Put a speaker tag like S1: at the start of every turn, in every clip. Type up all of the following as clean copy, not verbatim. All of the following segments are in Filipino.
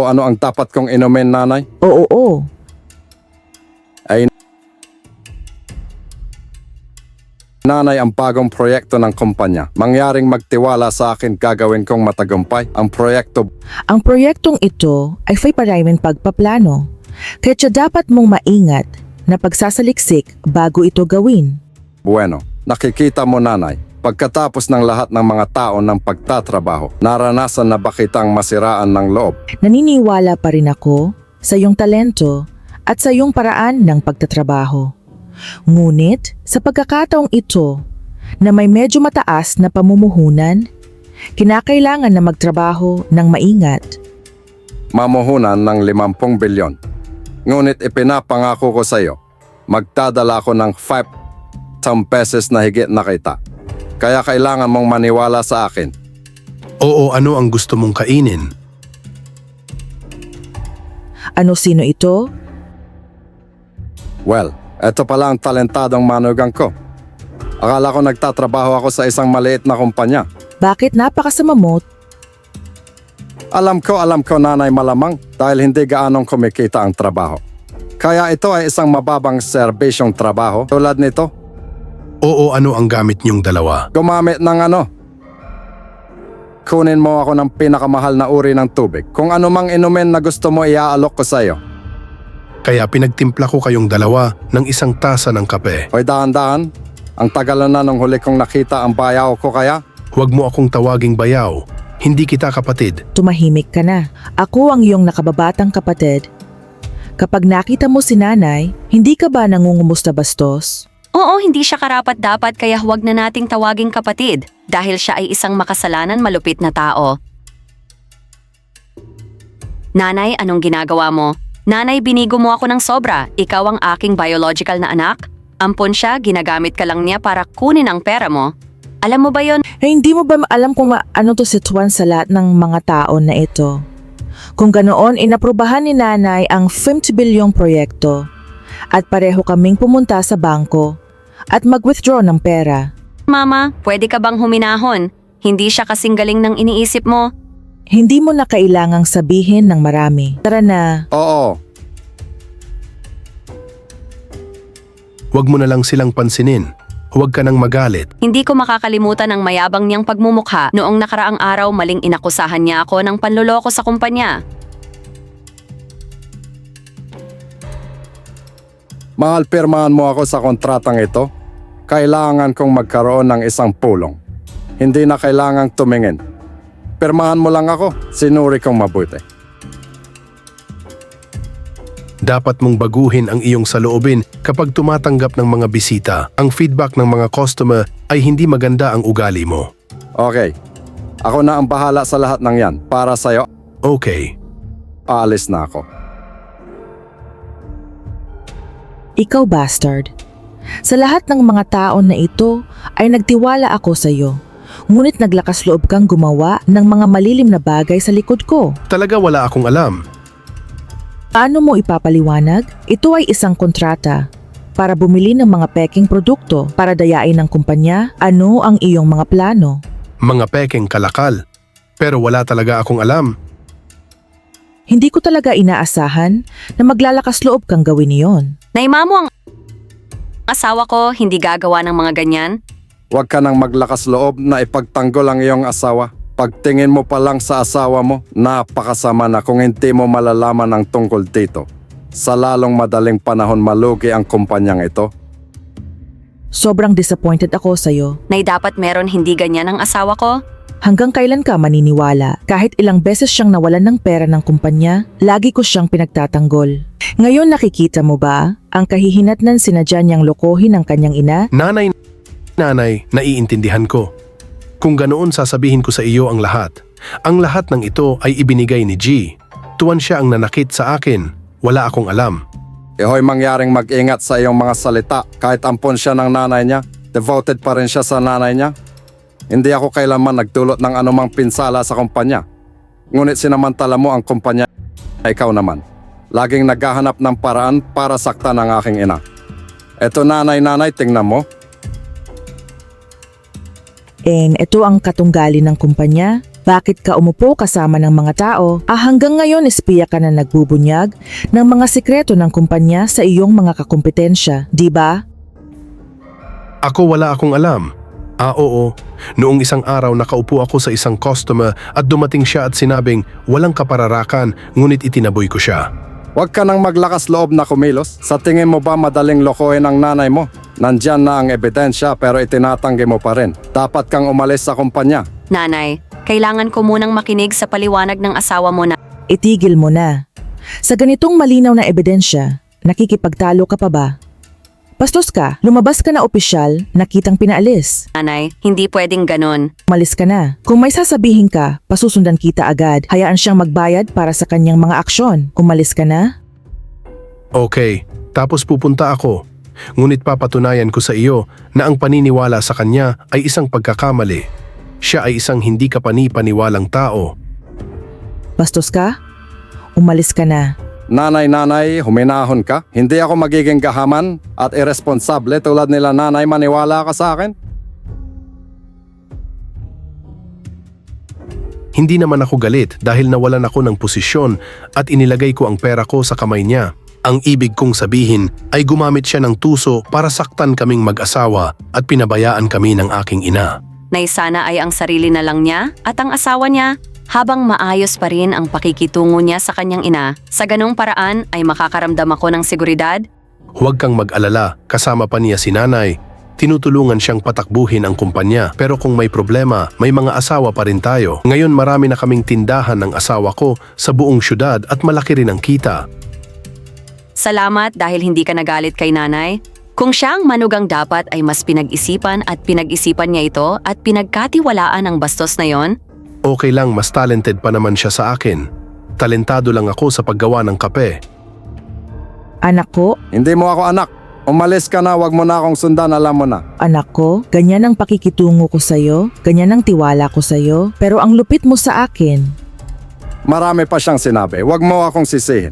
S1: mo ano ang dapat kong inumin, nanay?
S2: Oo.
S1: Nanay, ang bagong proyekto ng kumpanya. Mangyaring magtiwala sa akin, gagawin kong matagumpay. Ang proyekto,
S2: Ang proyektong ito ay may maraming pagpaplano. Kaya dapat mong maingat na pagsasaliksik bago ito gawin.
S1: bueno. Nakikita mo, nanay, pagkatapos ng lahat ng mga tao ng pagtatrabaho, naranasan na ba kitang masiraan ng loob?
S2: Naniniwala pa rin ako sa iyong talento at sa iyong paraan ng pagtatrabaho. Ngunit sa pagkakataong ito na may medyo mataas na pamumuhunan, kinakailangan na magtrabaho ng maingat.
S1: Mamuhunan ng 50 bilyon. Ngunit ipinapangako ko sa iyo, magdadala ko ng 5 pesos na higit na kita. Kaya kailangan mong maniwala sa akin.
S3: Oo, ano ang gusto mong kainin?
S2: Sino ito?
S1: Well, eto pala ang talentadong manugang ko. Akala ko nagtatrabaho ako sa isang maliit na kumpanya.
S2: Bakit napakasama mo?
S1: Alam ko, nanay, malamang dahil hindi gaanong kumikita ang trabaho. Kaya ito ay isang mababang serbisyong trabaho tulad nito.
S3: Oo, ano ang gamit niyong dalawa?
S1: Gumamit ng kunin mo ako ng pinakamahal na uri ng tubig. Kung anumang inumin na gusto mo, iaalok ko sa iyo.
S3: Kaya pinagtimpla ko kayong dalawa ng isang tasa ng kape.
S1: Hoy, dahan-dahan. Ang tagalan na nung huli kong nakita ang bayaw ko kaya.
S3: Huwag mo akong tawaging bayaw. Hindi kita kapatid.
S2: Tumahimik ka na. Ako ang iyong nakababatang kapatid. Kapag nakita mo si nanay, hindi ka ba nangungumusta bastos?
S4: Oo, hindi siya karapat-dapat kaya huwag na nating tawaging kapatid dahil siya ay isang makasalanan malupit na tao. Nanay, anong ginagawa mo? Nanay, binigo mo ako ng sobra. Ikaw ang aking biological na anak. Ampon siya, ginagamit ka lang niya para kunin ang pera mo. Alam mo ba yon?
S2: Hindi mo ba alam kung ano to situan sa lahat ng mga tao na ito? Kung ganoon, inaprubahan ni nanay ang 50 bilyong proyekto at pareho kaming pumunta sa bangko at mag-withdraw ng pera.
S4: Mama, pwede ka bang huminahon? Hindi siya kasing galing ng iniisip mo.
S2: Hindi mo na kailangang sabihin ng marami. Tara na.
S1: Oo,
S3: Huwag mo na lang silang pansinin. Huwag ka nang magalit.
S4: Hindi ko makakalimutan ang mayabang niyang pagmumukha noong nakaraang araw maling inakusahan niya ako ng panloloko sa kumpanya.
S1: mahal, pirmahan mo ako sa kontratang ito. Kailangan kong magkaroon ng isang pulong. Hindi na kailangang tumingin. Pirmahan mo lang ako, sinuri kong mabuti.
S3: Dapat mong baguhin ang iyong saloobin kapag tumatanggap ng mga bisita. Ang feedback ng mga customer ay hindi maganda ang ugali mo.
S1: Okay, ako na ang bahala sa lahat ng yan. Para sa'yo,
S3: Okay.
S1: aalis na ako.
S2: Ikaw, bastard. Sa lahat ng mga tao na ito ay nagtiwala ako sa iyo. Ngunit naglakas loob kang gumawa ng mga malilim na bagay sa likod ko.
S3: Talaga wala akong alam.
S2: Paano mo ipapaliwanag? Ito ay isang kontrata para bumili ng mga peking produkto para dayain ng kumpanya. Ano ang iyong mga plano?
S3: Mga pekeng kalakal. Pero wala talaga akong alam.
S2: Hindi ko talaga inaasahan na maglalakas loob kang gawin iyon.
S4: Naima mo ang asawa ko, hindi gagawa ng mga ganyan.
S1: Huwag ka nang maglakas loob na ipagtanggol ang iyong asawa. Pagtingin mo pa lang sa asawa mo, napakasama na kung hindi mo malalaman ang tungkol dito. Sa lalong madaling panahon malugi ang kumpanyang ito.
S2: Sobrang disappointed ako sa iyo.
S4: Nay dapat meron hindi ganyan ang asawa ko.
S2: Hanggang kailan ka maniniwala? Kahit ilang beses siyang nawalan ng pera ng kumpanya, lagi ko siyang pinagtatanggol. Ngayon nakikita mo ba ang kahihinatnan sinadya niyang lokohin ang kanyang ina?
S3: Nanay, naiintindihan ko. Kung ganoon sasabihin ko sa iyo ang lahat. Ang lahat ng ito ay ibinigay ni G. Tuwan siya ang nanakit sa akin. Wala akong alam.
S1: Ihoy mangyaring mag-ingat sa iyong mga salita. Kahit ampon siya ng nanay niya, devoted pa rin siya sa nanay niya. Hindi ako kailanman nagdulot ng anumang pinsala sa kumpanya. Ngunit sinamantala mo ang kumpanya, ikaw naman. Laging naghahanap ng paraan para saktan ang aking ina. Eto nanay, tingnan mo.
S2: Ito ang katunggali ng kumpanya. Bakit ka umupo kasama ng mga tao? Hanggang ngayon espiya ka na nagbubunyag ng mga sikreto ng kumpanya sa iyong mga kakumpetensya, di ba?
S3: Ako wala akong alam. Oo. Noong isang araw nakaupo ako sa isang customer at dumating siya at sinabing walang kapararakan ngunit itinaboy ko siya.
S1: Huwag ka nang maglakas loob na kumilos. Sa tingin mo ba madaling lokohin ang nanay mo? Nandyan na ang ebidensya pero itinatanggi mo pa rin. Dapat kang umalis sa kumpanya.
S4: Nanay, kailangan ko munang makinig sa paliwanag ng asawa mo na
S2: Itigil mo na. Sa ganitong malinaw na ebidensya, nakikipagtalo ka pa ba? Bastos ka, lumabas ka na opisyal, nakitang pinaalis.
S4: nanay, hindi pwedeng ganon.
S2: Umalis ka na. Kung may sasabihin ka, pasusundan kita agad. Hayaan siyang magbayad para sa kanyang mga aksyon. Umalis ka na?
S3: Okay, tapos pupunta ako. Ngunit papatunayan ko sa iyo na ang paniniwala sa kanya ay isang pagkakamali. Siya ay isang hindi kapani-paniwalang tao.
S2: Bastos ka? Umalis ka na.
S1: Nanay, huminahon ka. Hindi ako magiging gahaman at irresponsable tulad nila nanay, maniwala ka sa akin.
S3: Hindi naman ako galit dahil nawalan ako ng posisyon at inilagay ko ang pera ko sa kamay niya. Ang ibig kong sabihin ay gumamit siya ng tuso para saktan kaming mag-asawa at pinabayaan kami ng aking ina.
S4: Nay sana ay ang sarili na lang niya at ang asawa niya habang maayos pa rin ang pakikitungo niya sa kanyang ina. Sa ganong paraan ay makakaramdam ako ng seguridad.
S3: Huwag kang mag-alala, kasama pa niya si nanay. Tinutulungan siyang patakbuhin ang kumpanya pero kung may problema, may mga asawa pa rin tayo. Ngayon marami na kaming tindahan ng asawa ko sa buong syudad at malaki rin ang kita.
S4: Salamat dahil hindi ka nagalit kay nanay. Kung siya ang manugang dapat ay mas pinag-isipan at pinag-isipan niya ito at pinagkatiwalaan ang bastos na yon.
S3: Okay lang, mas talented pa naman siya sa akin. Talentado lang ako sa paggawa ng kape.
S2: Anak ko,
S1: Hindi mo ako anak. Umalis ka na, wag mo na akong sundan, alam mo na.
S2: anak ko, ganyan ang pakikitungo ko sa'yo, ganyan ang tiwala ko sa'yo, pero ang lupit mo sa akin.
S1: Marami pa siyang sinabi, wag mo akong sisihin.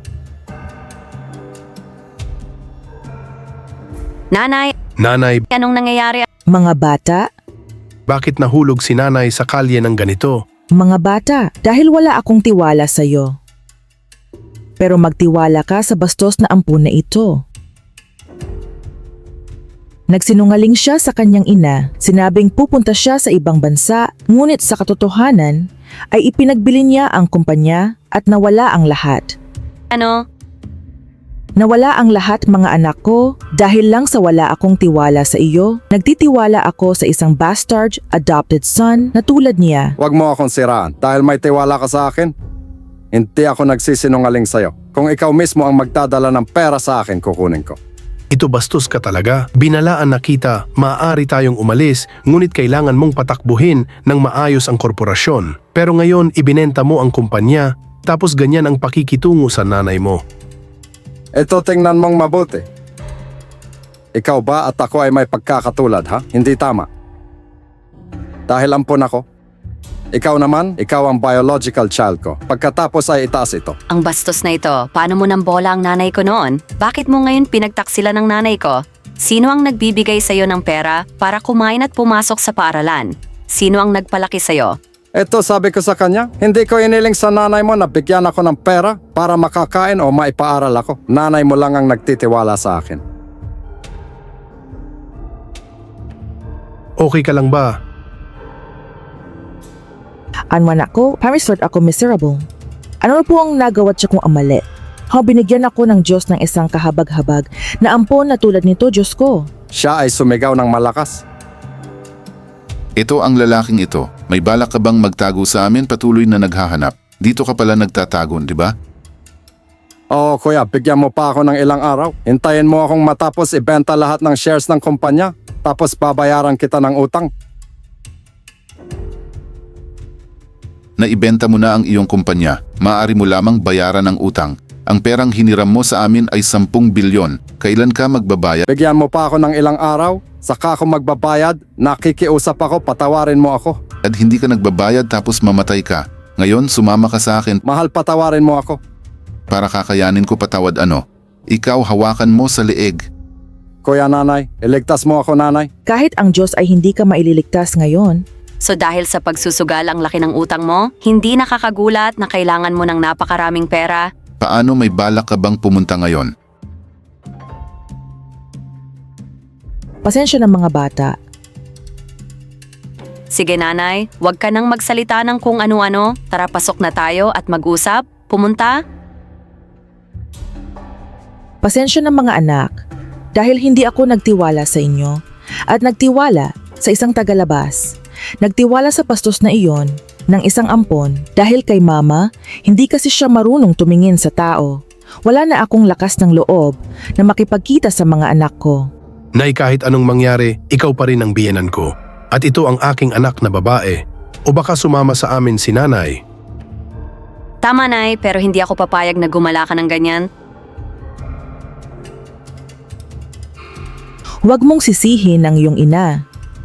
S4: Nanay,
S3: Nanay,
S4: anong nangyayari?
S2: Mga bata,
S3: bakit nahulog si nanay sa kalye ng ganito?
S2: mga bata, dahil wala akong tiwala sa'yo. Pero magtiwala ka sa bastos na ampun na ito. Nagsinungaling siya sa kanyang ina, sinabing pupunta siya sa ibang bansa, ngunit sa katotohanan ay ipinagbili niya ang kumpanya at nawala ang lahat.
S4: Ano?
S2: Nawala ang lahat mga anak ko dahil lang sa wala akong tiwala sa iyo. Nagtitiwala ako sa isang bastard adopted son na tulad niya.
S1: Wag mo akong siraan dahil may tiwala ka sa akin. Hindi ako nagsisinungaling sa'yo. Kung ikaw mismo ang magdadala ng pera sa akin, kukunin ko.
S3: Ito bastos ka talaga. Binalaan na kita, maaari tayong umalis, ngunit kailangan mong patakbuhin ng maayos ang korporasyon. Pero ngayon ibinenta mo ang kumpanya, tapos ganyan ang pakikitungo sa nanay mo.
S1: Ito tingnan mong mabuti. Ikaw ba at ako ay may pagkakatulad, ha? Hindi tama. Dahil ampun ako. Ikaw naman, ikaw ang biological child ko. Pagkatapos ay itaas ito.
S4: Ang bastos na ito, paano mo nang bola ang nanay ko noon? Bakit mo ngayon pinagtaksila ng nanay ko? Sino ang nagbibigay sa'yo ng pera para kumain at pumasok sa paaralan? Sino ang nagpalaki sa'yo?
S1: Ito sabi ko sa kanya, hindi ko iniling sa nanay mo na bigyan ako ng pera para makakain o maipaaral ako. Nanay mo lang ang nagtitiwala sa akin.
S3: Okay ka lang ba?
S2: Anman ako, parisort ako miserable. Ano na po ang nagawa siya kong amali? Binigyan ako ng Diyos ng isang kahabag-habag na ampon na tulad nito, Diyos ko.
S1: Siya ay sumigaw ng malakas.
S5: Ito ang lalaking ito. May balak ka bang magtago sa amin patuloy na naghahanap? Dito ka pala nagtatago, di ba?
S1: Oo kuya, bigyan mo pa ako ng ilang araw. Hintayin mo akong matapos ibenta lahat ng shares ng kumpanya. Tapos babayaran kita ng utang.
S5: Naibenta mo na ang iyong kumpanya. Maaari mo lamang bayaran ang utang. Ang perang hiniram mo sa amin ay 10 bilyon. Kailan ka magbabayad?
S1: Bigyan mo pa ako ng ilang araw. Saka ako magbabayad. Nakikiusap ako, patawarin mo ako.
S5: At hindi ka nagbabayad tapos mamatay ka. Ngayon sumama ka sa akin
S1: Mahal, patawarin mo ako.
S5: para kakayanin ko patawad ano. Ikaw hawakan mo sa leeg.
S1: Kuya nanay, iligtas mo ako nanay.
S2: Kahit ang Diyos ay hindi ka maililigtas ngayon,
S4: So dahil sa pagsusugal ang laki ng utang mo, hindi nakakagulat na kailangan mo ng napakaraming pera.
S5: Paano, may balak ka bang pumunta ngayon?
S2: Pasensya ng mga bata.
S4: Sige nanay, huwag ka nang magsalita ng kung ano-ano. Tara, pasok na tayo at mag-usap. Pumunta?
S2: Pasensya ng mga anak dahil hindi ako nagtiwala sa inyo at nagtiwala sa isang tagalabas. Nagtiwala sa pastos na iyon ng isang ampon dahil kay mama, hindi kasi siya marunong tumingin sa tao. Wala na akong lakas ng loob na makipagkita sa mga anak ko.
S3: Nay, kahit anong mangyari, ikaw pa rin ang biyenan ko. At ito ang aking anak na babae. O baka sumama sa amin si nanay.
S4: Tama nay, pero hindi ako papayag na gumala ka ng ganyan.
S2: Huwag mong sisihin ang iyong ina.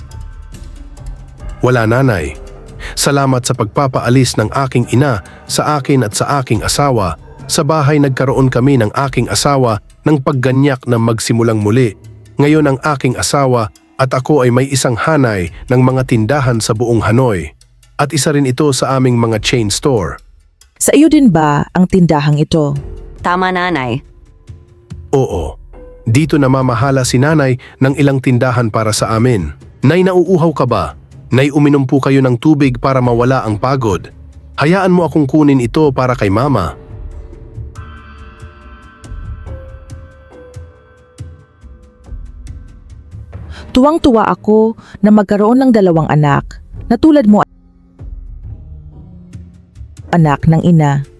S3: Wala, nanay. Salamat sa pagpapaalis ng aking ina sa akin at sa aking asawa. Sa bahay nagkaroon kami ng aking asawa ng pagganyak na magsimulang muli. Ngayon ang aking asawa at ako ay may isang hanay ng mga tindahan sa buong Hanoi. At isa rin ito sa aming mga chain store.
S2: Sa iyo din ba ang tindahang ito?
S4: Tama nanay.
S3: Oo. Dito namamahala si nanay ng ilang tindahan para sa amin. Nay, nauuhaw ka ba? Nay, uminom po kayo ng tubig para mawala ang pagod. Hayaan mo akong kunin ito para kay mama.
S2: Tuwang-tuwa ako na magkaroon ng 2 anak na tulad mo, anak ng ina.